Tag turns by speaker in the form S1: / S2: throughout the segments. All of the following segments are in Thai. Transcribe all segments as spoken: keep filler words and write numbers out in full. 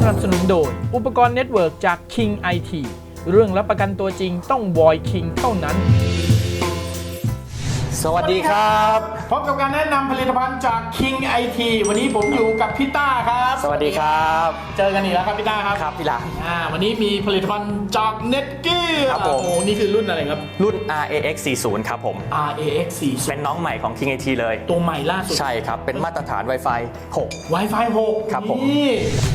S1: นับสนุนโดยอุปกรณ์เน็ตเวิร์กจาก King ไอ ที เรื่องรับประกันตัวจริงต้อง Void King เท่านั้น
S2: สวัสดีครับ
S1: พบกับการแนะนำผลิตภัณฑ์จาก King ไอ ที วันนี้ผมอยู่กับพี่ต้าครับ
S2: สวัสดีครับ
S1: เจอกันอีกแล้วครับพี่ต้าครับ
S2: ครับพี่หลาน
S1: อ่าวันนี้มีผลิตภัณฑ์จาก Netgear
S2: ครับผม
S1: โอ้นี่คือรุ่นอะไรครับ
S2: รุ่น อาร์ เอ เอ็กซ์ สี่สิบ ครับผม
S1: อาร์ เอ เอ็กซ์ สี่สิบ
S2: เป็นน้องใหม่ของ King ไอ ที เลย
S1: ตัวใหม่ล่าสุด
S2: ใช่ครับเป็นมาตรฐาน Wi-Fi หก
S1: Wi-Fi หก
S2: ครับผม
S1: นี่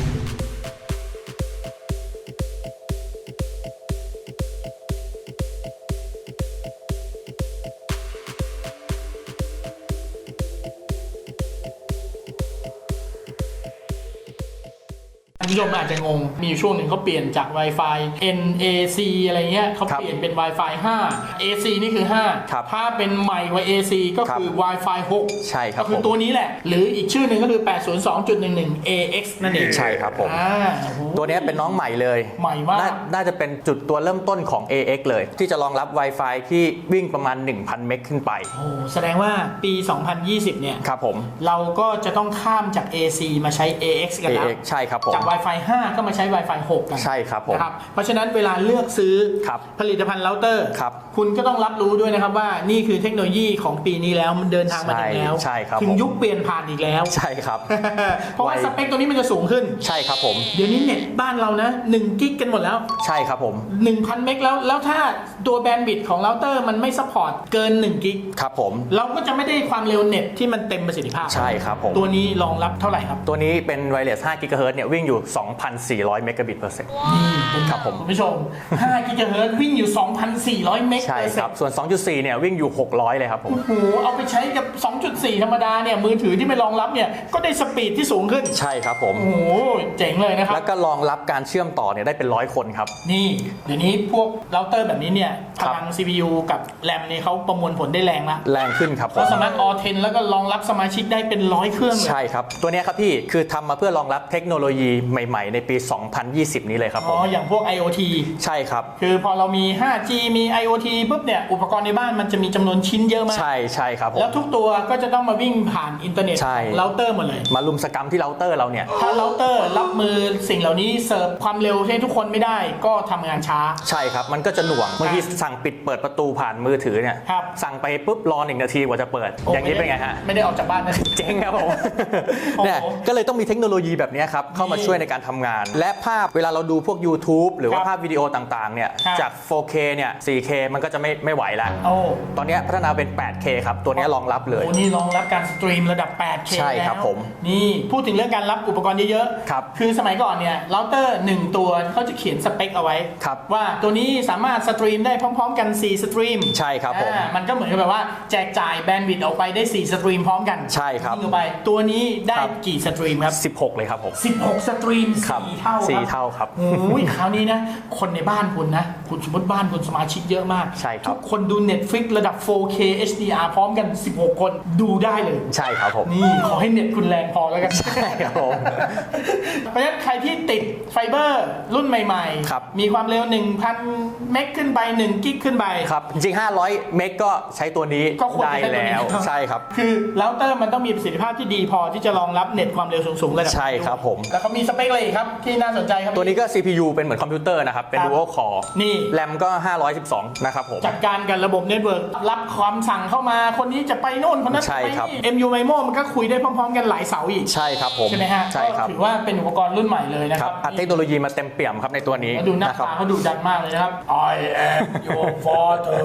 S1: คุณผู้ชมอาจจะงงมีอยู่ช่วงหนึ่งเขาเปลี่ยนจาก Wi-Fi เอ็น เอ ซี อะไรเงี้ยเขาเปลี่ยนเป็น Wi-Fi ห้า เอ ซี นี่คือห้าถ้าเป็นใหม่กว่า เอ ซี ก็คือ Wi-Fi หก
S2: ใช่ครับ
S1: ก็คือตัวนี้แหละหรืออีกชื่อหนึ่งก็คือ แปด ศูนย์ สอง จุด หนึ่ง หนึ่ง เอ เอ็กซ์ นั่นเอง
S2: ใช่ครับผมตัวนี้เป็นน้องใหม่เลย
S1: ใหม่มาก
S2: น่าจะเป็นจุดตัวเริ่มต้นของ เอ เอ็กซ์ เลยที่จะรองรับ Wi-Fi ที่วิ่งประมาณ หนึ่งพัน เมกขึ้นไป
S1: โอ้แสดงว่าปี สองพันยี่สิบ เนี่ย
S2: ครับผม
S1: เราก็จะต้องข้ามจาก เอ ซี มาใช้ เอ เอ็กซ์ กันแล้ว
S2: ใช่ครับผม
S1: จาก Wi-Fi ห้า ก็มาใช้ Wi-Fi หก กัน
S2: ใช่ครับผม
S1: นะครับเพราะฉะนั้นเวลาเลือกซื้อผลิตภัณฑ์เราเตอร์คุณก็ต้องรับรู้ด้วยนะครับว่านี่คือเทคโนโลยีของปีนี้แล้วมันเดินทางมาถึงแล้วถึงยุคเปลี่ยนผ่านอีกแล้ว
S2: ใช่ครับ
S1: เพราะว่าสเปคตัวนี้มันจะสูงขึ้น
S2: ใช่ครับผม
S1: เดี๋ยวนี้เน็ตบ้านเรานะหนึ่งกิกกันหมดแล้ว
S2: ใช่ครับผม
S1: หนึ่งพัน เมกแล้วแล้วถ้าตัวแบนด์วิดต์ของเราเตอร์มันไม่ซัพพอร์ตเกินหนึ่งกิก
S2: ครับผม
S1: เราก็จะไม่ได้ความเร็วเน็ตที่มันเต็มประสิทธิภาพ
S2: ใช่ครับผม
S1: ตัวนี้รองรับเท่าไหร่ครับ
S2: ตัวนี้เป็นไวเลสห้ากิกะเฮิรตซ์เนี่ยวิ่งอยู่ สองพันสี่ร้อย เมกะบิตเปอร์เซ็นต์ครับผม
S1: คุณผู้ชมห้ากิกะเฮิรตซ์วิ่งอยู่ สองพันสี่ร้อย เมกะ
S2: ใช่ครับส่วน สองจุดสี่ เนี่ยวิ่งอยู่หกร้อยเลยครับผม
S1: โอ้โหเอาไปใช้กับ สองจุดสี่ ธรรมดาเนี่ยมือถือที่ไม่รองรับเนี่ยก็ได้สปีดที่สูงขึ้น
S2: ใช่ครับผม
S1: โอ้โหเจ๋งเลยนะครับ
S2: แล้วก็รองรับการเชื่อมต่อเนี่ยได้เป็นร้อยคนครับ
S1: นี่เดี๋ยวนี้พวกเราเตอร์แบบนี้เนี่ยพลัง ซี พี ยู กับแรมเนี่ยเขาประมวลผลได้แรงละ
S2: แรงขึ้นครับ
S1: เขาสามารถ ออ เท็น แล้วก็รองรับสมาชิกได้เป็นร้อยเครื่อง
S2: ใช่ครับตัวนี้ครับพี่คือทำมาเพื่อรองรับเทคโนโลยีใหม่ๆในปี สองพันยี่สิบ นี้เลยครับผม
S1: อ๋ออย่างพวก ไอ โอ ที
S2: ใช่ครับ
S1: คือพอเรามี ห้าจี มี ไอ โอ ที ปุ๊บเนี่ยอุปกรณ์ในบ้านมันจะมีจำนวนชิ้นเยอะมาก
S2: ใช่ใช่ครับ
S1: แล้วทุกตัวก็จะต้องมาวิ่งผ่านอินเทอร์เน็ตเราเตอร์หมดเลย
S2: มาลุมสกรรมที่เราเตอร์เราเนี่ย
S1: ถ้าเราเตอร์รับมือสิ่งเหล่านี้เสิร์ฟความเร็วให้ทุกคนไม่ได้ก็ทำงานช้า
S2: ใช่ครับมันก็จะหน่วงบางทีสั่งปิดเปิดประตูผ่านมือถือเนี่ยสั่งไปปุ๊บรอหนึ่งนาทีกว่าจะเปิดอย่างนี้เป็นไงฮะ
S1: ไม่ได้ออกจากบ้านนะ
S2: เจ๊งครับผมเนี่ยก็เลยต้องมีเทคโนโลยีแบบนี้ครับเข้ามาช่วยในการทำงานและภาพเวลาเราดูพวก YouTube หรือว่าภาพวิดีโอต่างๆเนี่ยจาก โฟร์เค เนี่ย โฟร์เค มันก็จะไม่ไม่ไหวแล้วตอนนี้พัฒนาเป็น แปดเค ครับตัวนี้รองรับเลย
S1: โอ้นี่รองรับการสตรีมระดับ แปดเค
S2: ใช่ครับผม
S1: นี่พูดถึงเรื่องการรับอุปกรณ์เยอะๆ
S2: ครับ
S1: คือสมัยก่อนเนี่ยเราเตอร์หนึ่งตัวเขาจะเขียนสเปคเอาไว้ว่าตัวนี้สามารถสตรีมได้พร้อมๆกันสี่สตรีม
S2: ใช่ครับผม
S1: มันก็เหมือนกับแบบว่าแจกจ่ายแบนด์วิดต์ออกไปได้สี่สตรีมพร้อมกัน
S2: ใช่ครับ
S1: ยิงออกไปตัวนี้ได้กี่สตรีมครับ
S2: สิบหกเลยครับผม
S1: สิบหกสตรีมสี่เท่า
S2: สี่เท่าครับ
S1: โอ้ยคราวนี้นะคนในบ้านคุณนะคุณสมมติบ้านคุณสมาชิกเยอะมาก
S2: ใช่ครับ
S1: ทุกคนดู Netflix ระดับ โฟร์เค เอช ดี อาร์ พร้อมกันสิบหกคนดูได้เลย
S2: ใช่ครับผม
S1: นี่ขอให้เน็ตคุณแรงพอแล้วกัน
S2: ใช่ครับผม
S1: เพราะฉะนั้นใครที่ติดไฟเบอร์รุ่นใหม่ๆมีความเร็ว หนึ่งพัน เมกขึ้นไปหนึ่งกิกขึ้นไป
S2: ครับจริงห้าร้อยเมกก็ใช้ตัวนี้ได้แล้วใช่ครับ
S1: คือเราเตอร์มันต้องมีประสิทธิภาพที่ดีพอที่จะรองรับเน็ตความเร็วสูงๆระดับ
S2: ใช่ครับผม
S1: แล้วเขามีสเปคอะไรครับที่น่าสนใจครับ
S2: ตัวนี้ก็ ซี พี ยู เป็นเหมือนคอมพิวเตอร์นะครับเป็น Dual Core
S1: นี่
S2: แรมก็ห้าร้อยสิบสองนะครับผม
S1: จัดการกับระบบเน็ตเวิร์กรับความสั่งเข้ามาคนนี้จะไปโน่นคนนั้นไปนี่ เอ็ม ยู Mimo มันก็คุยได้พร้อมๆกันหลายเสาอีก
S2: ใช่ครับผม
S1: ใช่ไหมฮะ
S2: ใช่ครับ
S1: ถือว่าเป็นอุปกรณ์รุ่นใหม่เลยนะครับ
S2: เทคโนโลยีมาเต็มเปี่ยมครับในตัวนี้
S1: ดูหน้าตาเขาดูดันมากเลยนะครับ I am your father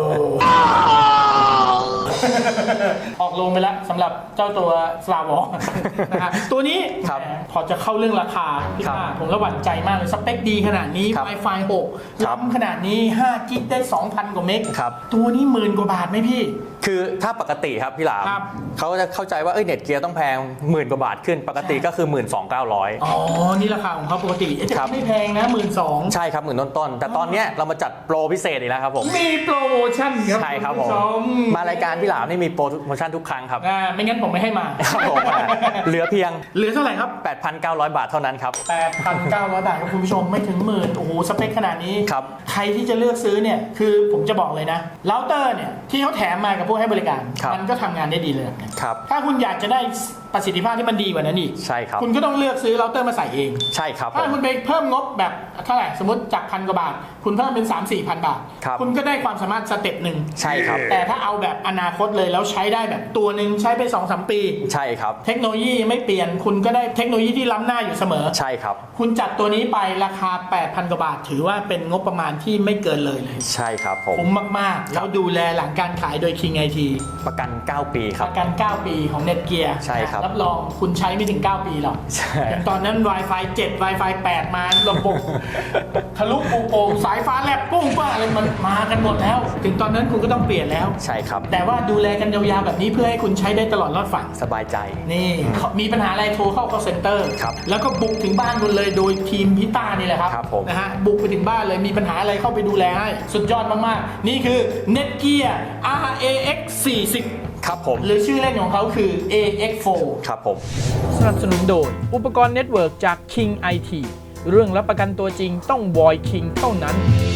S1: ออกลงไปแล้วสำหรับเจ้าตัว Star Wars นะฮะตัวนี้พอจะเข้าเรื่องราคาพี่ว่าผมระหวั่นใจมากเลยสเปคดีขนาดนี้ Wi-Fi หกล้ำขนาดนี้ห้ากิกได้ สองพัน กว่าเมกตัวนี้หมื่นกว่าบาทไหมพี่
S2: คือถ้าปกติครับพี่หลามเขาจะเข้าใจว่าเอ้ยเน็ตเกียร์ต้องแพงหมื่นกว่าบาทขึ้นปกติก็คือ หนึ่งหมื่นสองพันเก้าร้อย
S1: อ๋อนี่ราคาของเขาปกติจะไม่แพงนะ หนึ่งหมื่นสองพัน
S2: ใช่ครับหมื่นต้นๆแต่ตอนนี้เรามาจัดโปรพิเศษอีกแล้วครับผม
S1: มีโปรโมชั่นครับ
S2: ใช่ครับผมมารายการพี่หลามนี่มีโปรโมชั่นทุกครั้งครับ
S1: อ่าไม่งั้นผมไม่ให้มา
S2: ครับผมเหลือเพียง
S1: เหลือเท่าไหร่ครับ
S2: แปดพันเก้าร้อย บาทเท่านั้นครับ
S1: แปดพันเก้าร้อย บาทครับคุณผู้ชมไม่ถึงหมื่นโอ้โหสเปคขนาดนี้
S2: ครับ
S1: ใครที่จะเลือกซื้อเนี่ยคือผมจะบอกเลยนะเราเตอร์เนี่ยที่เขาแถมมากับพวกผู้ให้บริการ
S2: ครับ
S1: มันก็ทำงานได้ดีเลย
S2: ครับ
S1: ถ้าคุณอยากจะได้ประสิทธิภาพที่มันดีกว่านั้นอีก
S2: ใช่ครับ
S1: คุณก็ต้องเลือกซื้อเราเตอร์มาใส่เอง
S2: ใช่ครับ
S1: ถ้าคุณไปเพิ่มงบแบบเท่าไหร่สมมติจากพันกว่าบาท คุณเพิ่มเป็น สามสี่พัน บาท
S2: ครับ
S1: คุณก็ได้ความสามารถสเต็ปหนึ่ง
S2: ใช่ครับ
S1: แต่ถ้าเอาแบบอนาคตเลยแล้วใช้ได้แบบตัวหนึ่งใช้ไป สองสาม ปี
S2: ใช่ครับ
S1: เทคโนโลยีไม่เปลี่ยนคุณก็ได้เทคโนโลยีที่ล้ำหน้าอยู่เสมอ
S2: ใช่ครับ
S1: คุณจัดตัวนี้ไปราคา แปดพัน กว่าบาท ถือว่าเป็นงบประมาณที่ไม่เกินเลยเลย
S2: ใช่ครับผม
S1: คุ้มมากๆ แล้วดูแลหลังการขายโดย King ไอ ที
S2: ประกัน เก้า ปีค
S1: ป
S2: รับ
S1: ระกัน เก้า ปีของ Netgear
S2: ใช่ครับ
S1: รับรองคุณใช้ไม่ถึง เก้า ปีหรอก
S2: ใช่
S1: อย่างตอนนั้น Wi-Fi เจ็ด Wi-Fi แปด มาระบบ ทะลุปูโป่งสายฟ้าแลบปุ้งป้าอะไรมันมากันหมดแล้ว ถึงตอนนั้นคุณก็ต้องเปลี่ยนแล้ว
S2: ใช่ครับ
S1: แต่ว่าดูแลกันยาวๆแบบนี้เพื่อให้คุณใช้ได้ตลอดรอดฝั่ง
S2: สบายใจ
S1: นี่มีปัญหาอะไรโทรเข้า call center
S2: ครับ
S1: แล้วก็บุกถึงบ้านคุณเลยโดยทีมพิต้านี่แหละครับ
S2: ครับผม
S1: นะฮะบุกไปถึงบ้านเลยมีปัญหาอะไรเข้าไปดูแลให้สุดยอดมากๆ นี่คือ Netgear อาร์ เอ เอ็กซ์ สี่สิบ
S2: ครับผม
S1: หรือชื่อเล่นของเขาคือ เอ เอ็กซ์ โฟร์
S2: ครับผม
S1: สนับสนุนโดยอุปกรณ์เน็ตเวิร์กจาก King ไอ ที เรื่องรับประกันตัวจริงต้อง Void King เท่านั้น